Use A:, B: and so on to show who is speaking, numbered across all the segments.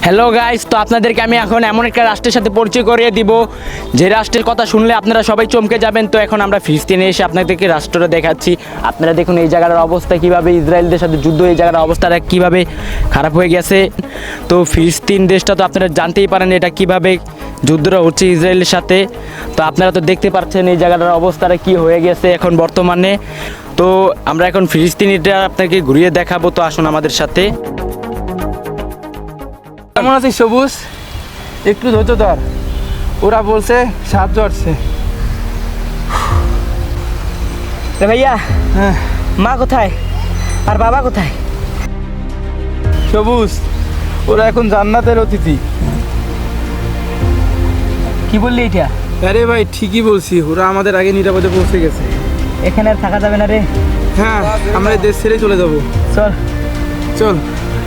A: Hello guys, তো আপনাদেরকে আমি এখন এমন একটা রাষ্ট্রের সাথে পরিচয় করিয়ে দিব যে রাষ্ট্রের কথা শুনলে আপনারা সবাই চমকে যাবেন। তো এখন আমরা ফিলিস্তিনে এসে আপনাদেরকে রাষ্ট্রটা দেখাচ্ছি। আপনারা দেখুন এই জায়গার অবস্থা কীভাবে, ইসরায়েলদের সাথে যুদ্ধ, এই জায়গার অবস্থাটা কীভাবে খারাপ হয়ে গেছে। তো ফিলিস্তিন দেশটা তো আপনারা জানতেই পারেন এটা কীভাবে যুদ্ধটা হচ্ছে ইসরায়েলের সাথে। তো আপনারা তো দেখতে পাচ্ছেন এই জায়গাটার অবস্থাটা কী হয়ে গেছে এখন বর্তমানে। তো আমরা এখন ফিলিস্তিনিটা আপনাকে ঘুরিয়ে দেখাবো, তো আসুন আমাদের সাথে।
B: কেমন আছিস সবুজ? একটু ধৈর্য ধর, ওরা বলছে সাহায্য আসছে।
C: ভাইয়া,
B: হ্যাঁ
C: মা কোথায় আর বাবা কোথায়?
B: সবুজ, ওরা এখন জান্নাতের অতিথি।
C: কি বললি এটা?
B: আরে ভাই ঠিকই বলছি, ওরা আমাদের আগে নিরাপদে পৌঁছে গেছে।
C: এখানে আর থাকা যাবে না রে।
B: হ্যাঁ, আমরা এই দেশ ছেড়ে চলে যাব।
C: চল
B: চল।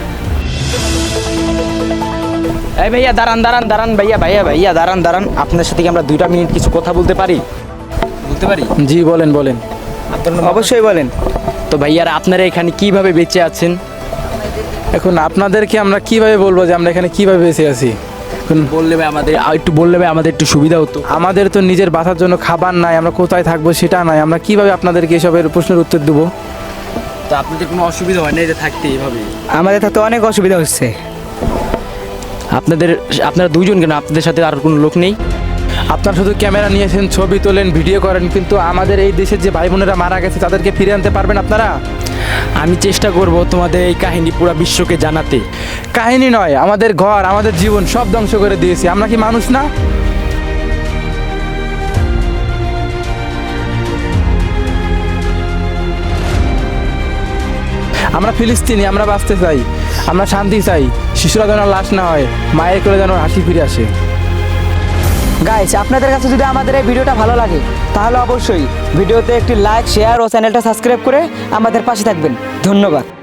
A: এই ভাইয়া দাঁড়ান দাঁড়ান দাঁড়ান, ভাইয়া দাঁড়ান। আপনার সাথে কি আমরা 2 মিনিট কিছু কথা বলতে পারি?
B: জি বলেন বলেন।
C: অবশ্যই বলেন।
A: তো ভাইয়ারা আপনারা এখানে কিভাবে বেঁচে আছেন?
B: এখন আপনাদেরকে আমরা কিভাবে বলবো যে আমরা এখানে কিভাবে বেঁচে আছি? এখন
A: বললে ভাই আমাদের একটু সুবিধা হতো।
B: আমাদের তো নিজের বাঁচার জন্য খাবার নাই, আমরা কোথায় থাকবো সেটা নাই, আমরা কিভাবে আপনাদেরকে এসবের প্রশ্নের উত্তর দেবো?
A: তো আপনাদের কোনো অসুবিধা হয় না এটা থাকতে এইভাবে?
C: আমাদের থাকতে অনেক অসুবিধা হচ্ছে।
A: আপনারা 2 জন কেন? আপনাদের সাথে আর কোনো লোক নেই?
B: আপনারা শুধু ক্যামেরা নিয়েছেন, ছবি তোলেন, ভিডিও করেন, কিন্তু আমাদের এই দেশের যে ভাই বোনেরা মারা গেছে তাদেরকে ফিরে আনতে পারবেন আপনারা?
A: আমি চেষ্টা করব তোমাদের এই কাহিনী পুরো বিশ্বকে জানাতে।
B: কাহিনী নয়, আমাদের ঘর, আমাদের জীবন সব ধ্বংস করে দিয়েছি। আমরা কি মানুষ না? আমরা ফিলিস্তিনি, আমরা বাঁচতে চাই, আমরা শান্তি চাই। শিশুরা যেন লাশ না হয়, মায়ের কোলে যেন হাসি ফিরে আসে।
C: গাইস, আপনাদের কাছে যদি আমাদের এই ভিডিওটা ভালো লাগে তাহলে অবশ্যই ভিডিওতে একটি লাইক, শেয়ার ও চ্যানেলটা সাবস্ক্রাইব করে আমাদের পাশে থাকবেন। ধন্যবাদ।